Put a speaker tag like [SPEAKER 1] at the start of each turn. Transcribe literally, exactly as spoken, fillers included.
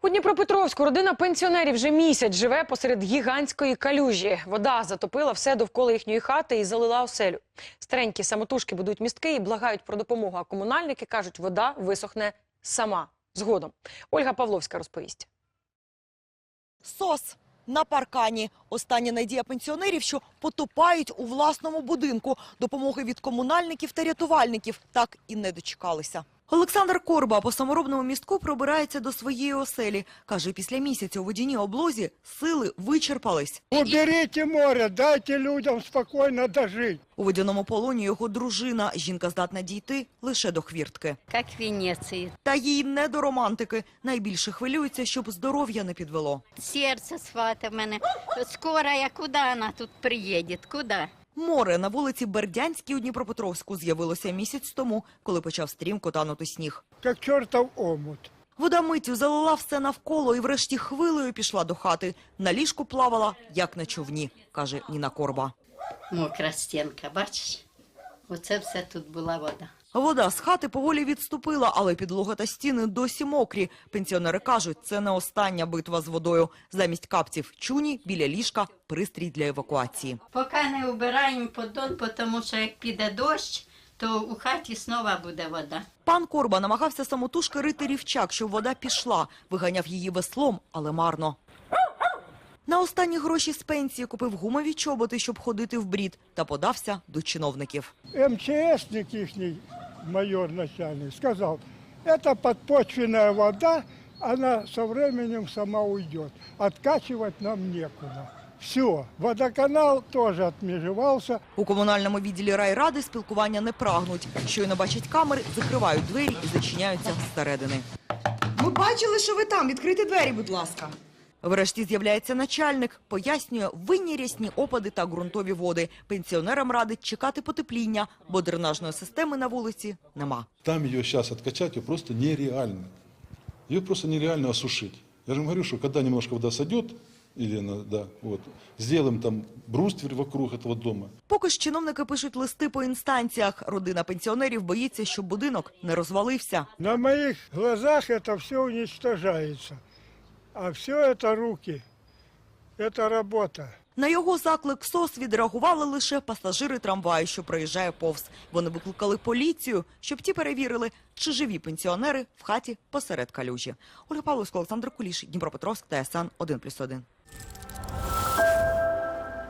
[SPEAKER 1] Дніпропетровську родина пенсіонерів вже місяць живе посеред гігантської калюжі. Вода затопила все довкола їхньої хати і залила оселю. Старенькі самотужки будують містки і благають про допомогу, а комунальники кажуть, вода висохне сама. Згодом. Ольга Павловська розповість.
[SPEAKER 2] СОС на паркані. Остання надія пенсіонерів, що потопають у власному будинку. Допомоги від комунальників та рятувальників так і не дочекалися. Олександр Корба по саморобному містку пробирається до своєї оселі. Каже, після місяця у водяній облозі сили вичерпались.
[SPEAKER 3] Уберіть море, дайте людям спокійно дожити.
[SPEAKER 2] У водяному полоні його дружина. Жінка здатна дійти лише до хвіртки.
[SPEAKER 4] Як в Венеції.
[SPEAKER 2] Та їй не до романтики. Найбільше хвилюється, щоб здоров'я не підвело.
[SPEAKER 4] Серце свате в мене. Скоро я куди вона тут приїде? Куди?
[SPEAKER 2] Море на вулиці Бердянській у Дніпропетровську з'явилося місяць тому, коли почав стрімко танути сніг.
[SPEAKER 3] Як чортов омут.
[SPEAKER 2] Вода миттю залила все навколо і врешті хвилею пішла до хати. На ліжку плавала, як на човні, каже Ніна Корба.
[SPEAKER 4] Мокра стінка, бачиш? Оце все тут була вода.
[SPEAKER 2] Вода з хати поволі відступила, але підлога та стіни досі мокрі. Пенсіонери кажуть, це не остання битва з водою. Замість капців чуні, біля ліжка пристрій для евакуації.
[SPEAKER 4] Поки не убираємо поддон, тому що як піде дощ, то у хаті знову буде вода.
[SPEAKER 2] Пан Корба намагався самотужки рити рівчак, щоб вода пішла. Виганяв її веслом, але марно. На останні гроші з пенсії купив гумові чоботи, щоб ходити в брід, та подався до чиновників.
[SPEAKER 3] МЧСник їхній, майор начальник, сказав, це підпочвенна вода, вона з часом сама уйде. Откачувати нам нікуди. Все, водоканал теж відмежувався.
[SPEAKER 2] У комунальному відділі райради спілкування не прагнуть. Щойно бачать камери, закривають двері і зачиняються зсередини.
[SPEAKER 5] Ми бачили, що ви там. Відкрийте двері, будь ласка.
[SPEAKER 2] Врешті з'являється начальник, пояснює винні рясні опади та ґрунтові води. Пенсіонерам радить чекати потепління, бо дренажної системи на вулиці нема.
[SPEAKER 6] Там ее сейчас откачать ее просто нереально. Ее просто нереально осушить. Я же вам говорю, что когда немножко вода сойдет, или она, да, вот, сделаем там бруствер вокруг этого дома.
[SPEAKER 2] Поки ж чиновники пишуть листи по інстанціях, родина пенсіонерів боїться, щоб будинок не розвалився.
[SPEAKER 3] На моїх глазах це все уничтожається. А все це руки, це робота.
[SPEAKER 2] На його заклик СОС відреагували лише пасажири трамваю, що проїжджає повз. Вони викликали поліцію, щоб ті перевірили, чи живі пенсіонери в хаті посеред калюжі. Ольга Павловська, Олександр Куліш, Дніпропетровськ, ТСН один плюс один.